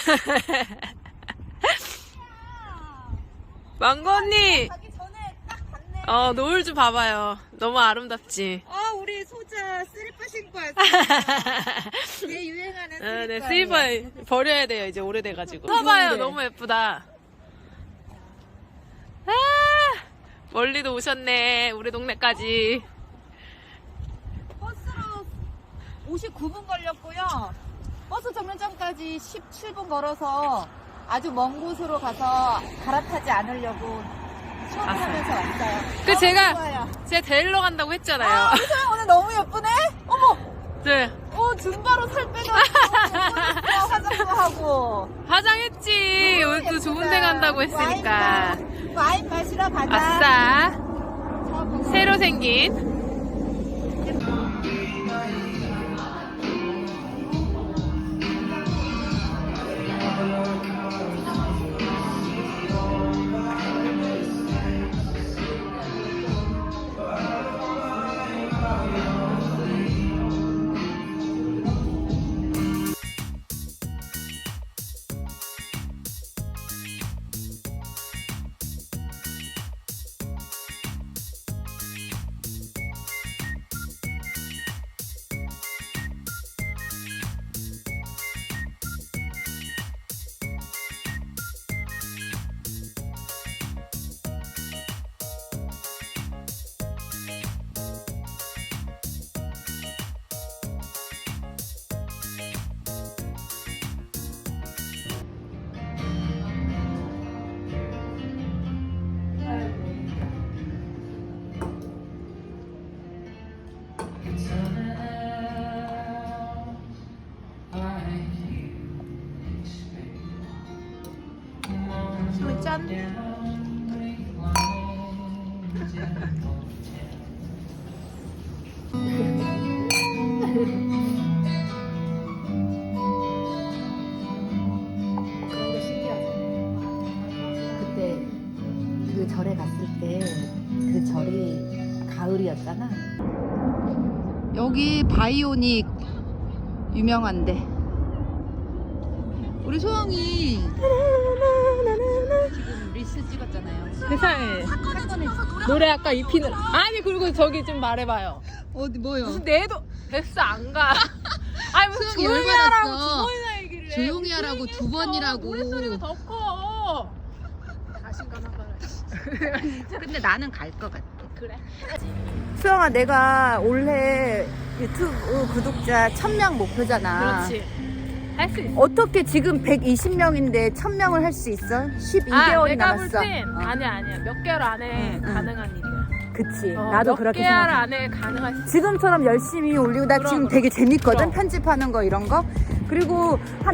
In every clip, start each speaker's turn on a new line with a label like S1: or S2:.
S1: 망고 언니.
S2: 가기 전에 딱 봤네.
S1: 노을 좀 봐봐요. 너무 아름답지.
S2: 우리 소자 슬리퍼 신고 왔어. 얘 유행하는 슬리퍼.
S1: 네, 슬리퍼 버려야 돼요. 이제 오래돼가지고. 봐봐요. 너무 예쁘다. 아, 멀리도 오셨네. 우리 동네까지.
S2: 버스로 59분 걸렸고요. 버스 정류장까지 17분 걸어서 아주 먼 곳으로 가서 갈아타지 않으려고 시원하면서 왔어요.
S1: 제가
S2: 좋아요.
S1: 데리러 간다고 했잖아요.
S2: 소영 오늘 너무 예쁘네? 어머!
S1: 네.
S2: 줌바로 살 빼가지고 화장도 하고.
S1: 화장했지. 오늘 또 좋은 데 간다고 했으니까.
S2: 와인 마시러 가자.
S1: 아싸. 새로 생긴. 짠.
S2: 그런 게 신기하죠. 그때 그 절에 갔을 때 그 절이 가을이었잖아. 여기 바이오닉 유명한데 우리 소영이 지금 리스 찍었잖아요.
S1: 세상에. 노래 아까 입히는. 아니, 그리고 저기 좀 말해봐요.
S2: 어디 뭐요?
S1: 무슨 내도 베스 안 가. 아니, 무슨
S2: 수영이
S1: 조용히
S2: 열받았어.
S1: 하라고 두 번이나 얘기를 해.
S2: 조용히 하라고
S1: 조용히
S2: 두
S1: 했어.
S2: 번이라고.
S1: 노래 소리가 더 커. 자신감 한 번.
S2: 근데 나는 갈 것 같아.
S1: 그래.
S2: 수영아, 내가 올해 유튜브 구독자 1000명 목표잖아.
S1: 그렇지. 할 수 있어.
S2: 어떻게 지금 120명인데 1000명을 할 수 있어? 12개월이
S1: 내가 볼
S2: 남았어.
S1: 땐 아니야. 몇 개월 안에
S2: 응, 응.
S1: 가능한 일이야.
S2: 그치. 나도
S1: 몇
S2: 그렇게
S1: 개월
S2: 생각해.
S1: 안에 가능할 수 있어.
S2: 지금처럼 열심히 올리고 나 지금 되게 재밌거든.
S1: 그럼.
S2: 편집하는 거 이런 거. 그리고 한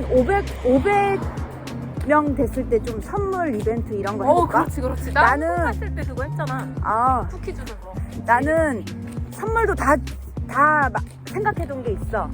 S2: 500명 됐을 때 좀 선물 이벤트 이런 거 해볼까?
S1: 그렇지.
S2: 나는-
S1: 나는 갔을 때 그거 했잖아.
S2: 아,
S1: 쿠키 주는 거.
S2: 나는 선물도 다 생각해둔 게 있어.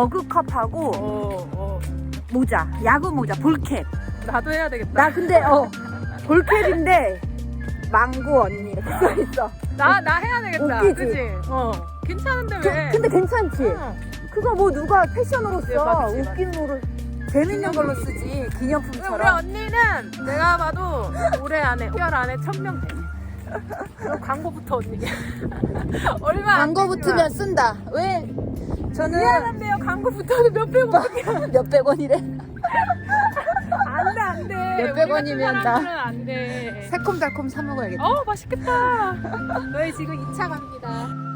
S2: 머그컵하고 모자, 야구 모자, 볼캡.
S1: 나도 해야 되겠다.
S2: 나 근데 볼캡인데 망고 언니 이렇게 써있어.
S1: 나 해야 되겠다.
S2: 웃기지?
S1: 그치? 괜찮은데 왜?
S2: 근데 괜찮지?
S1: 응.
S2: 그거 뭐 누가 패션으로 써.
S1: 맞지.
S2: 웃김으로 재밌는 걸로 쓰지.
S1: 우리
S2: 기념품처럼.
S1: 언니는 내가 봐도 올해 안에 5개월 안에 1000명 돼. 그럼 광고부터 언니. 얼마 안
S2: 광고
S1: 되지만.
S2: 붙으면 쓴다. 왜? 저는
S1: 미안한데요. 광고 붙어도 몇백 원.
S2: 몇백 원이래.
S1: 안 돼.
S2: 몇백 원이면 나
S1: 사람들은 안 돼.
S2: 새콤달콤 사 먹어야겠다.
S1: 맛있겠다. 저희 지금 2차 갑니다.